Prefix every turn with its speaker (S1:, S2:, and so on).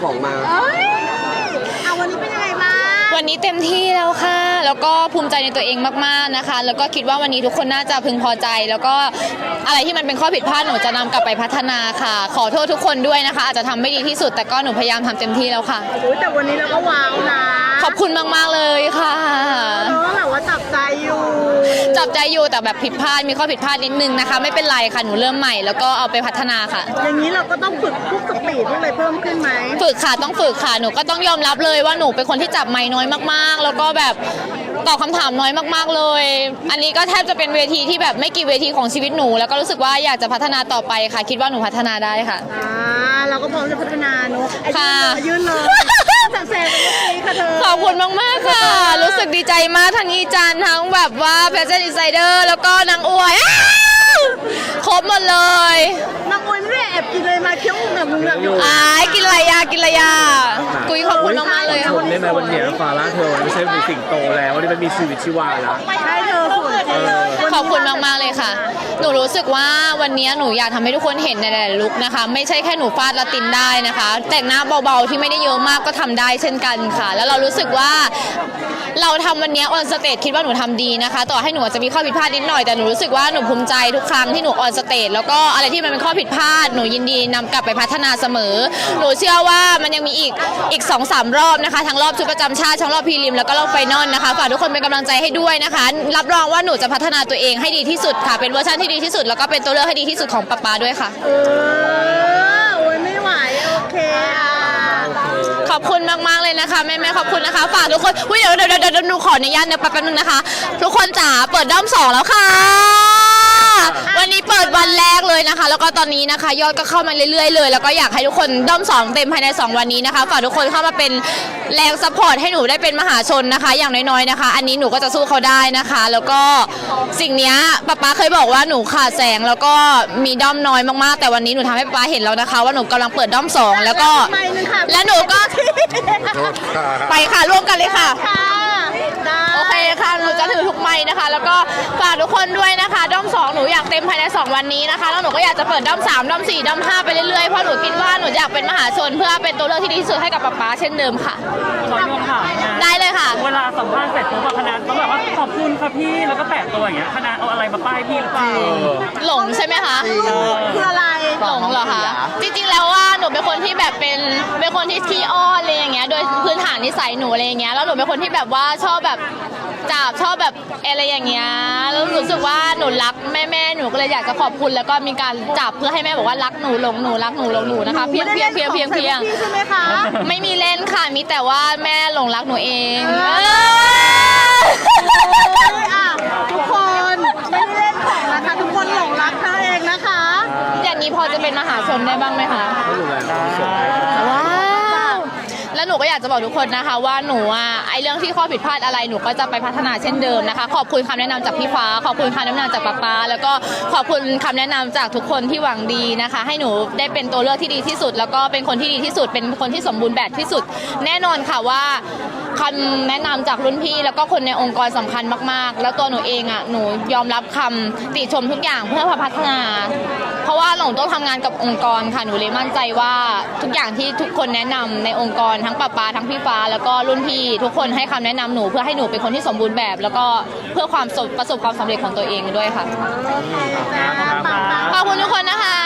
S1: ของมา
S2: วันนี้เป็นยังไงบ้าง
S3: วันนี้เต็มที่แล้วค่ะแล้วก็ภูมิใจในตัวเองมากๆนะคะแล้วก็คิดว่าวันนี้ทุกคนน่าจะพึงพอใจแล้วก็อะไรที่มันเป็นข้อผิดพลาดหนูจะนำกลับไปพัฒนาค่ะขอโทษทุกคนด้วยนะคะอาจจะทำไม่ดีที่สุดแต่ก็หนูพยายามทำเต็มที่แล้วค่ะ
S2: แต่วันนี้เราก็ว้าวนะ
S3: ขอบคุณมากๆเลยค่ะ
S2: แบบว่าจับใจ
S3: อยู่แต่แบบผิดพลาดมีข้อผิดพลาดนิดนึงนะคะไม่เป็นไรค่ะหนูเริ่มใหม่แล้วก็เอาไปพัฒนาค่ะ
S2: อย่างนี้เราก็ต้องฝึกพวกสปีดอะไรเพิ่มขึ้นไหม
S3: ฝึกค่ะต้องฝึกค่ะหนูก็ต้องยอมรับเลยว่าหนูเป็นคนที่จับไมค์น้อยมากๆแล้วก็แบบตอบคำถามน้อยมากๆเลยอันนี้ก็แทบจะเป็นเวทีที่แบบไม่กี่เวทีของชีวิตหนูแล้วก็รู้สึกว่าอยากจะพัฒนาต่อไปค่ะคิดว่าหนูพัฒนาได้ค่ะ
S2: เราก็พร้อมจะพัฒนาเนอะ
S3: ค่ะ
S2: ยื่นเลยสักเซนค่ะเธอ
S3: ขอบคุณมากๆค่ะรู้สึกดีใจมากทั้งอีจันทั้งแบบว่าแฟชั่นอินไซเดอร์แล้วก็นางอวยครบหมดเลย
S2: นางอวยไม่ได้แอบกินเลยมาเคี้ยวแบบมึงแบบอยู่
S3: กินอะไรยากุยขอบคุณมากๆเลย
S1: ชนได้ไหมวันนี้ฟาร่าเธอไม่ใช่มีสิ่งโตแล้ววันนี้มันมีชีวิตชีวาแล้ว
S2: ใช่เธอสวย
S3: ขอบคุณมากๆเลยค่ะหนูรู้สึกว่าวันนี้หนูอยากทำให้ทุกคนเห็นในหลายๆลุคนะคะไม่ใช่แค่หนูฟาดละตินได้นะคะแต่งหน้าเบาๆที่ไม่ได้เยอะมากก็ทำได้เช่นกันค่ะแล้วเรารู้สึกว่าเราทำวันนี้ออนสเตจคิดว่าหนูทำดีนะคะต่อให้หนูอาจจะมีข้อผิดพลาดนิดหน่อยแต่หนูรู้สึกว่าหนูภูมิใจทุกครั้งที่หนูออนสเตจแล้วก็อะไรที่มันเป็นข้อผิดพลาดหนูยินดีนำกลับไปพัฒนาเสมอหนูเชื่อว่ามันยังมีอีก 2-3 รอบนะคะทั้งรอบชุดประจำชาติทั้งรอบพรีลิมแล้วก็รอบไฟนอลนะคะฝากทุกคนเป็นกำลังใจให้ด้วยนะคะรับรองว่าหนูจะพัฒนาตัวเองให้ดีที่สุดค่ะเป็นเวอร์ชันที่ดีที่สุดแล้วก็เป็นตัวเลือกให้ดีที่สุดของป๊าด้วยค่ะ
S2: ไม่ไหวโอเค
S3: ขอบคุณมากๆเลยนะคะแม่ขอบคุณนะคะฝากทุกคนเดี๋ยวหนูขออนุญาตแป๊บนึงนะคะทุกคนจ๋าเปิดด้อม2แล้วค่ะวันนี้เปิดวันแรกเลยนะคะแล้วก็ตอนนี้นะคะยอดก็เข้ามาเรื่อยๆเลยแล้วก็อยากให้ทุกคนด้อม2เต็มภายใน2วันนี้นะคะฝากทุกคนเข้ามาเป็นแรงซัพพอร์ตให้หนูได้เป็นมหาชนนะคะอย่างน้อยๆนะคะอันนี้หนูก็จะสู้เขาได้นะคะแล้วก็สิ่งนี้ป๊าเคยบอกว่าหนูขาดแสงแล้วก็มีด้อมน้อยมากๆแต่วันนี้หนูทำให้ป๊าเห็นแล้วนะคะว่าหนูกำลังเปิดด้อม2แล้วก็และหนูก็ไปค่ะร่วมกันเลยค่ะโอเคค่ะหนูจะถือทุกไม้นะคะแล้วก็ฝากทุกคนด้วยนะคะด้อม2หนูอยากเต็มภายใน2วันนี้นะคะแล้วหนูก็อยากจะเปิดด้อม3ด้อม4ด้อม5ไปเรื่อยๆเพราะหนูคิดว่าหนูอยากเป็นมหาชนเพื่อเป็นตัวเลือกที่ดีที่สุดให้กับป๊าเช่นเดิมค่ะ
S4: ขอโยนค่ะ
S3: ได้เลยค่ะ
S4: เวลาสัมภาษณ์เสร็จปุ๊บคณะต้องแบบว่าขอบคุณค่ะพี่แล้วก็แปะตัวอย่างเงี้ยคณะเอาอะไรมาป้ายพี่หรือเปล่า
S3: หลงใช่ไหมคะ
S2: คืออะไร
S3: หลงเหรอคะจริงๆแล้วว่าหนูเป็นคนที่แบบเป็นคนที่ขี้อ้อนอะไรอย่างเงี้ยโดยพื้นฐานนิสัยหนูอะไรอย่างเงี้ยแล้วหนูเป็นคนที่แบบว่าชอบแบบชอบแบบอะไรอย่างเงี้ยแล้วรู้สึกว่าหนูรักแม่หนูก็เลยอยากจะขอบคุณแล้วก็มีการจับเพื่อให้แม่บอกว่ารักหนูหลงหนูรักหนูหลงหนูนะคะเพียง
S2: ใช่ไหมคะ
S3: ไม่มีเล่นค่ะมีแต่ว่าแม่หลงรักหนูเอง
S2: ทุกคนไม่ได้เล่นของนะคะทุกคนหลงรักเธอเองนะคะ
S3: อย่างนี้พอจะเป็นมหาชนได้บ้างไหมคะว้าวแล้วหนูก็อยากจะบอกทุกคนนะคะว่าหนูไอเรื่องที่ข้อผิดพลาดอะไรหนูก็จะไปพัฒนาเช่นเดิมนะคะขอบคุณคำแนะนำจากพี่ฟ้าขอบคุณคำแนะนำจากป๊าแล้วก็ขอบคุณคำแนะนำจากทุกคนที่หวังดีนะคะให้หนูได้เป็นตัวเลือกที่ดีที่สุดแล้วก็เป็นคนที่ดีที่สุดเป็นคนที่สมบูรณ์แบบที่สุดแน่นอนค่ะว่าคำแนะนำจากรุ่นพี่แล้วก็คนในองค์กรสำคัญมากๆแล้วตัวหนูเองหนูยอมรับคำติชมทุกอย่างเพื่อพัฒนาเพราะว่าหนูต้องทำงานกับองค์กรค่ะหนูเลยมั่นใจว่าทุกอย่างที่ทุกคนแนะนำในองค์กรทั้งป๊าทั้งพี่ฟ้าแล้วก็รุ่นพี่ทุกคนให้คำแนะนำหนูเพื่อให้หนูเป็นคนที่สมบูรณ์แบบแล้วก็เพื่อประสบความสำเร็จของตัวเองด้วยค่ะขอบคุณทุกคนนะคะ